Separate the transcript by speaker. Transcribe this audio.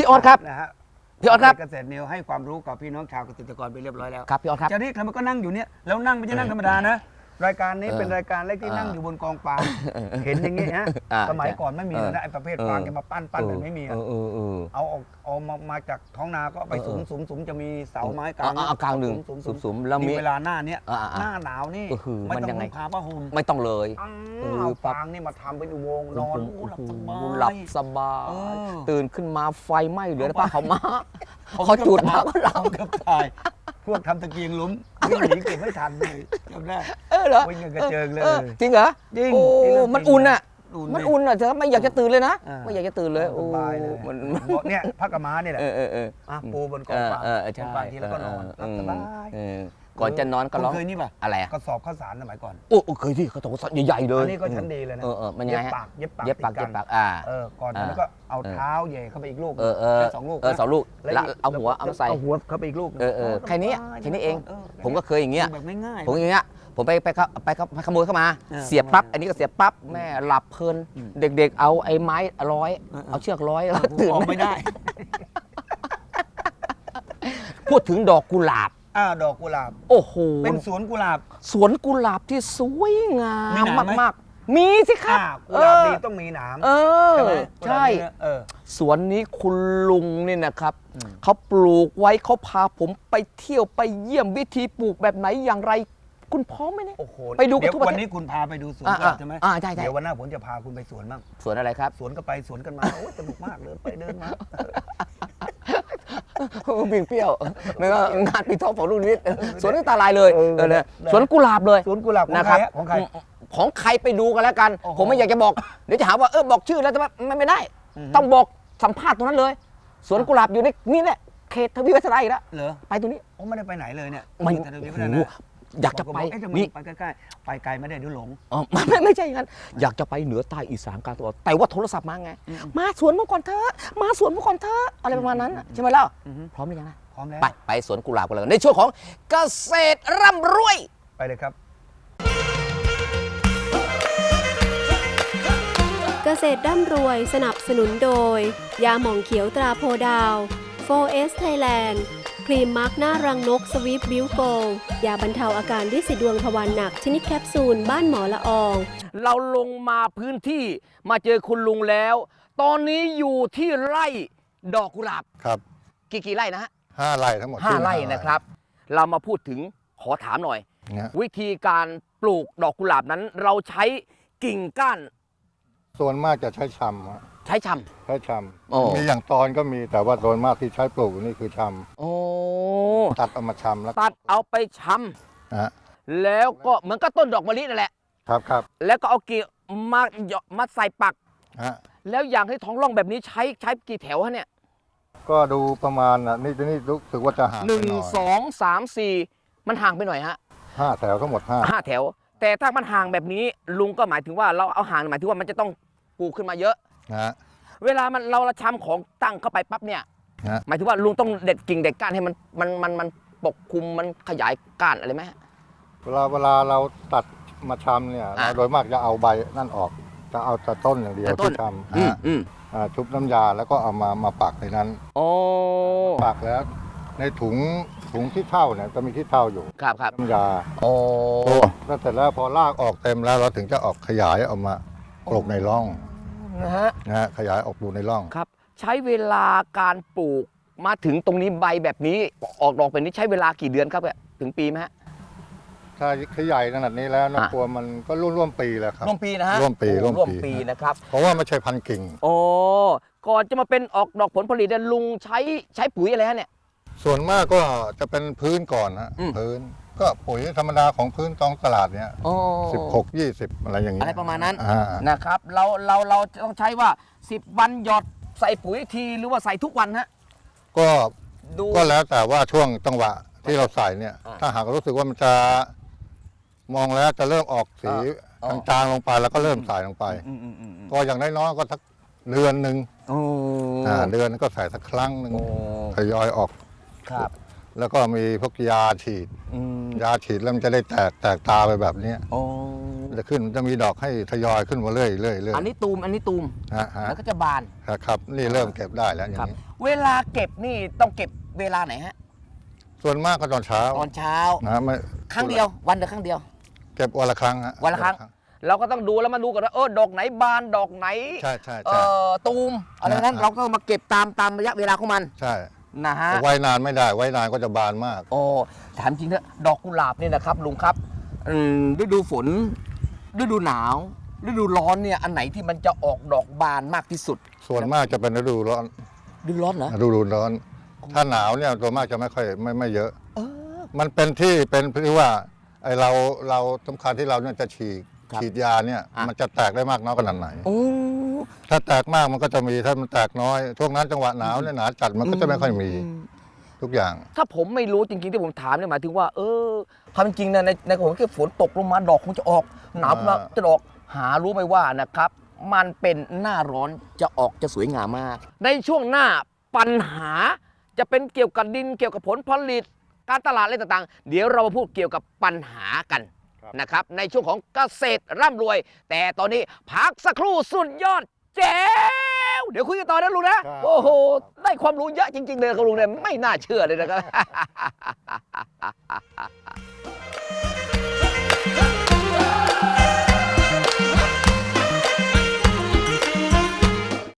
Speaker 1: ออสครับ
Speaker 2: นะฮะ
Speaker 1: พี่ออสครับ
Speaker 2: เกษตรนิวให้ความรู้กับพี่น้องชาวเกษตรกรไปเรียบร้อยแล้ว
Speaker 1: ครับพี่ออสครับ
Speaker 2: จากนี้มันก็นั่งอยู่เนี่ยแล้วนั่งไม่ใช่นั่งธรรมดานะรายการนี้เป็นรายการแรกที่นั่งอยู่บนกองฟางเห็นอย่างนี้ฮะสมัยก่อนไม่มีนะไอ้ประเภทฟางจะมาปั้นแบบไม่มีเอามาจากท้องนาก็ไปสุมจะมีเสาไม้กลาง
Speaker 1: เอากลางหนึ่งสุมแล้วมี
Speaker 2: เวลาหน้าเนี้ยหน้าหนาวนี่ไม่ต้องนุ่งผ้าผ้าห่ม
Speaker 1: ไม่ต้องเลย
Speaker 2: เอาฟางนี่มาทำเป็นอุโมงค์นอน
Speaker 1: หลับสบายตื่นขึ้นมาไฟไหม้เหลือแต่ผ้าขาวม้าเขาจุดมาก็หลับ
Speaker 2: เกือบตายพวกทำตะเกียงล้มวิ่งหนีเก็บไม่ทันเลยจำได้
Speaker 1: เหรอ
Speaker 2: วิ่งกระเจิงเลย
Speaker 1: จริงเหรอ
Speaker 2: จริง
Speaker 1: มันอุ่นอ่ะมันอุ่นอ่ะเธอไม่อยากจะตื่นเลยนะไม่อยากจะตื่นเลย
Speaker 2: สบายเลยเนี่ยพักกระม้านี่แหละปูบนกองฟางทีแล้วก็นอนรับสบาย
Speaker 1: ก่อนจะนอนก็ร้อง
Speaker 2: เคยนี่ป่ะ
Speaker 1: อะไร
Speaker 2: กระสอบข้าวสารสมัยก่อน
Speaker 1: เคยที่เขาต้องใหญ่ๆเลย
Speaker 2: อันนี้ก็ชั้นดีเลยนะ
Speaker 1: มันยังไง
Speaker 2: เย็บปากก่อนแล้วก็เอาเท้าแย่เข้าไปอีกลูก2 ลูก
Speaker 1: 2 ลูกแล้วเอาหัวเอาใส่
Speaker 2: เอาหัวเข้าไปอีกลูก
Speaker 1: แค่นี้เองผมก็เคยอย่างเงี้ย
Speaker 2: แบบง่าย
Speaker 1: ผมอย่างเงี้ยผมไปขโมยเข้ามาเสียบปั๊บอันนี้ก็เสียบปั๊บแม่หลับเพลินเด็กๆเอาไอ้ไม้ร้อยเอาเชือกร้อยแล้วตื่น
Speaker 2: ไม่ได้
Speaker 1: พูดถึงดอกกุหลาบ
Speaker 2: ดอกกุหลาบ
Speaker 1: โอ้โห
Speaker 2: เป็นสวนกุหลาบ
Speaker 1: ที่สวยงามมากๆมีสิครับ
Speaker 2: กุหลาบดีต้องมีหนาม
Speaker 1: ใช่สวนนี้คุณลุงนี่นะครับเขาปลูกไว้เขาพาผมไปเที่ยวไปเยี่ยมวิธีปลูกแบบไหนอย่างไรคุณพร้อมไหมเนี่ย
Speaker 2: ไปดูกันทุกวันนี้คุณพาไปดูสวนใช่ไหม
Speaker 1: ใช่
Speaker 2: เดี๋ยววันหน้าผมจะพาคุณไปสวนบ้าง
Speaker 1: สวนอะไรครับ
Speaker 2: สวนก็ไปสวนกันมาโอ้สนุกมากเลยไปเดินมา
Speaker 1: บิ่งเปรี้ยวไม่ว่างานปีทองของลูกนิดสวนนี่ตาลายเลยสวนกุหลาบเลย
Speaker 2: สวนกุหลาบ
Speaker 1: นะครับของใครไปดูกันแล้วกันผมไม่อยากจะบอกเดี๋ยวจะหาว่าบอกชื่อแล้วจะไม่ได้ต้องบอกสัมภาษณ์ตรงนั้นเลยสวนกุหลาบอยู่ในนี่แหละเขตทวีวัฒนาอีกแล้วไปตรงนี้
Speaker 2: ไม่ได้ไปไหนเลยเนี่ย
Speaker 1: อยากจะไป
Speaker 2: นี่ไปใกล้ๆไปไกลไม่ได้ดูหลง
Speaker 1: ไม่ใช่อย่างนั้นอยากจะไปเหนือใต้อีสานกลางตะวันออกแต่ว่าโทรศัพท์มาไงมาสวนเมื่อก่อนเธอมาสวนเมื่อก่อนเธออะไรประมาณนั้นใช่ไหมล่ะพร้อมหรือยังนะ
Speaker 2: พร้อมแล้ว
Speaker 1: ไปสวนกุหลาบกันเลยในช่วงของเกษตรร่ำรวย
Speaker 2: ไปเลยครับ
Speaker 3: เกษตรร่ำรวยสนับสนุนโดยยาหม่องเขียวตราโพดาว 4S Thailandครีมมาร์กหน้ารังนกสวีปบิวโกยาบรรเทาอาการริดสีดวงทวารหนักชนิดแคปซูลบ้านหมอละออง
Speaker 1: เราลงมาพื้นที่มาเจอคุณลุงแล้วตอนนี้อยู่ที่ไร่ดอกกุหลาบ
Speaker 4: ครับ
Speaker 1: กี่ไร่นะฮะ
Speaker 4: 5 ไร่ทั้งหมด
Speaker 1: 5 ไร่นะครับเรามาพูดถึงขอถามหน่อยวิธีการปลูกดอกกุหลาบนั้นเราใช้กิ่งก้าน
Speaker 4: ส่วนมากจะใช้ชำ
Speaker 1: ใช้ช
Speaker 4: ำมีอย่างตอนก็มีแต่ว่าโดยมากที่ใช้ปลูกนี่คือชำตัดเอามาชำแล้ว
Speaker 1: ตัดเอาไปชำแล้วก็เหมือนกับต้นดอกมะลินั่นแหละ
Speaker 4: ครับ
Speaker 1: แล้วก็เอากิ่งมาใส่ปักแล้วอย่างที่ท้องร่องแบบนี้ใช้กี่แถวฮะเนี่ย
Speaker 4: ก็ดูประมาณนี่รู้สึกว่าจะห่าง
Speaker 1: 1 2 3 4มันห่างไปหน่อยฮะ
Speaker 4: 5 แถวทั้งหมด
Speaker 1: 5 แถวแต่ถ้ามันห่างแบบนี้ลุงก็หมายถึงว่าเราเอาห่างหมายถึงว่ามันจะต้องปลูกขึ้นมาเยอะเวลาเราชำของตั้งเข้าไปปั๊บเนี่ยหมายถึงว่าลุงต้องเด็ดกิ่งเด็ดก้านให้มันปกคลุมมันขยายก้านอะไรไหม
Speaker 4: เวลาเราตัดมาชำเนี่ยโดยมากจะเอาใบนั่นออกจะเอาแต่ต้นอย่างเดียวที่ชำชุบน้ำยาแล้วก็เอามาปักในนั้นปักแล้วในถุงที่เท่าเนี่ยจะมีที่เท่าอยู่
Speaker 1: ครับ
Speaker 4: น้ำยาแล้วเสร็จแล้วพอรากออกเต็มแล้วเราถึงจะออกขยายออกมาปลูกในร่องนะฮะขยายออกปลูกในร่อง
Speaker 1: ครับใช้เวลาการปลูกมาถึงตรงนี้ใบแบบนี้ออกดอกแบบนี้ใช้เวลากี่เดือนครับถึงปีไหมฮะ
Speaker 4: ถ้าขยายขนาดนี้แล้วนะกลัวมันก็ร่วมปีแล้วครับ
Speaker 1: ร่วมปีนะฮะ
Speaker 4: ร่วมปี
Speaker 1: นะครับ
Speaker 4: เพราะว่าไม่ใช่พันกิ่ง
Speaker 1: ก่อนจะมาเป็นออกดอกผลผลิตลุงใช้ปุ๋ยอะไรฮะเนี่ย
Speaker 4: ส่วนมากก็จะเป็นพื้นก่อนฮะพื้นก็ปุ๋ยธรรมดาของพื้นตองตลาดเนี้ย16-20อะไรอย่างเงี้ย
Speaker 1: อะไรประมาณนั้นนะครับเราต้องใช้ว่า10 วันหยอดใส่ปุ๋ยทีหรือว่าใส่ทุกวันฮะ
Speaker 4: ก็แล้วแต่ว่าช่วงจังหวะที่เราใส่เนี่ยถ้าหากรู้สึกว่ามันจะมองแล้วจะเริ่มออกสีจางๆลงไปแล้วก็เริ่มใส่ลงไปก็อย่างน้อยๆก็สักเดือนหนึ่งเดือนก็ใส่สักครั้งหนึ่งทยอยออกแล้วก็มีพวกยาฉีดแล้วมันจะได้แตกตาไปแบบนี้จะขึ้นจะมีดอกให้ทยอยขึ้นมาเรื่อยๆ
Speaker 1: อันนี้ตูมแล้วก็จะบาน
Speaker 4: ครับนี่เริ่มเก็บได้แล้วอย่างนี้
Speaker 1: เวลาเก็บนี่ต้องเก็บเวลาไหนฮะ
Speaker 4: ส่วนมากก็ตอนเช้านะไม่
Speaker 1: ครั้งเดียววันเดียวครั้งเดียว
Speaker 4: เก็บวันละครั้งฮะ
Speaker 1: วันละครั้งเราก็ต้องดูแล้วมาดูกันว่าดอกไหนบานดอกไหน
Speaker 4: ใช่
Speaker 1: ตูมอะไรนั้นเราก็มาเก็บตามระยะเวลาของมัน
Speaker 4: ใช่
Speaker 1: นะฮะ
Speaker 4: ไว้นานไม่ได้ไว้นานก็จะบานมาก
Speaker 1: โอ้ถามจริงเถอะดอกกุหลาบเนี่ยนะครับลุงครับฤดูฝนฤดูหนาวฤดูร้อนเนี่ยอันไหนที่มันจะออกดอกบานมากที่สุด
Speaker 4: ส่วนมากจะเป็นฤดูร้อน
Speaker 1: ฤดูร้อนเหรอ
Speaker 4: ฤดูร้อนถ้าหนาวเนี่ยตัวมากจะไม่ค่อยไม่เยอะมันเป็นที่ว่าไอเราสำคัญที่เราเนี่ยจะฉีดยาเนี่ยมันจะแตกได้มากน้อยขนาดไหนถ้าแตกมากมันก็จะมีถ้ามันแตกน้อยช่วงนั้นจังหวะหนาวเนี่ยหนาจัดมันก็จะไม่ค่อยมีทุกอย่าง
Speaker 1: ถ้าผมไม่รู้จริงๆที่ผมถามเนี่ยหมายถึงว่าความจริงนะในของที่ฝนตกลงมาดอกคงจะออกหนาวจะออกหารู้ไหมว่านะครับมันเป็นหน้าร้อนจะสวยงามมากในช่วงหน้าปัญหาจะเป็นเกี่ยวกับดินเกี่ยวกับผลผลิตการตลาดอะไรต่างๆเดี๋ยวเรามาพูดเกี่ยวกับปัญหากันนะครับในช่วงของเกษตรร่ำรวยแต่ตอนนี้พักสักครู่สุดยอดแจ๋วเดี๋ยวคุยกันต่อนะลุงนะโอ้โหได้ความรู้เยอะจริงๆเลยครับลุงเนี่ยไม่น่าเชื่อเลยนะครับ